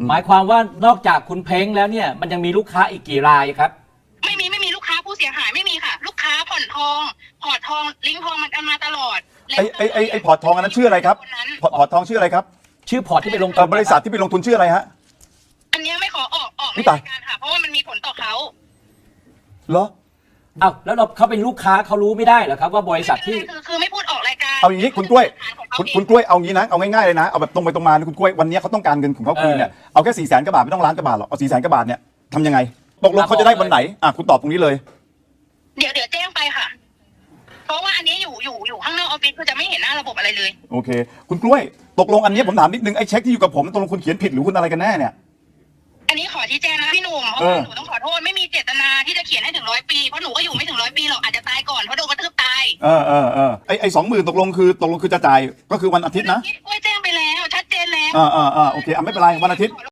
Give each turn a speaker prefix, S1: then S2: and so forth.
S1: หมายความว่านอกจากคุณเพ้งแล้วเนี่ยมันยังมีลูกค้าอีกกี่รายครับ
S2: ไม่มีลูกค้าผู้เสียหายไม่มีค่ะลูกค้าผ่อนทองพอร์ตทองลิงก์ทองมันกันมาตลอด
S3: ไอ้พอร์ตทองอันนั้นชื่ออะไรครับพอร์ตทองชื่ออะไรครับ
S1: ชื่อพอร์ตที่ไปลงทุน
S3: บริษัทที่ไปลงทุนชื่ออะไรฮะ
S2: อันนี้ไม่ขอออกในรายการค่ะเพราะว่ามันมีผลต่อเขา
S3: เหรอ
S1: อ้าวแล้วเขาเป็นลูกค้าเขารู้ไม่ได้เหรอครับว่าบริษัทที่
S2: คือไม่พูดออกรายการ
S3: เอาอย่างนี้คุณกล้วยคุณกล้วยเอางี้นะเอาง่ายๆเลยนะเอาแบบตรงไปตรงมาคุณกล้วยวันนี้เขาต้องการเงินของเขาคืนเนี่ยเอาแค่400,000 กว่าบาทไม่ต้องล้านกว่าบาทหรอกเอา400,000 กว่าบาทเนี่ยทำยังไงตกลงเขาจะได้วันไหนคุณตอบตรงนี้เลย
S2: เดี๋ยวแจ้งไปค่ะเพราะว่าอันนี้อยู่ข้างนอกออฟฟิศคือจะไม่เห็นหน้าระบบอะไรเลย
S3: โอเคคุณกล้วยตกลงอันนี้ผมถามนิดนึงไอ้เช็คที่อยู่กับผมตกลงคุณเขียนผิดหรือคุณอะไรกันแน่เนี่ย
S2: อันนี้ขอชี้แจงนะพี่หนุ่มเพราะว่าหนูต้องขอโทษไม่มีเจตนาที่จะเขียนให้ถึง100 ปีเพราะหนูก็อยู่ไม่ถึง100 ปีหรอกอาจจะตายก่อนเพราะโดนกระทืบตาย
S3: ไอ้20,000ตกลงคือจะจ่ายก็คือวันอาทิตย์นะ
S2: กล้วยแจ้งไปแล้วชัดเจนแล้ว
S3: โอเคไม่เป็นไรวันอาทิตย์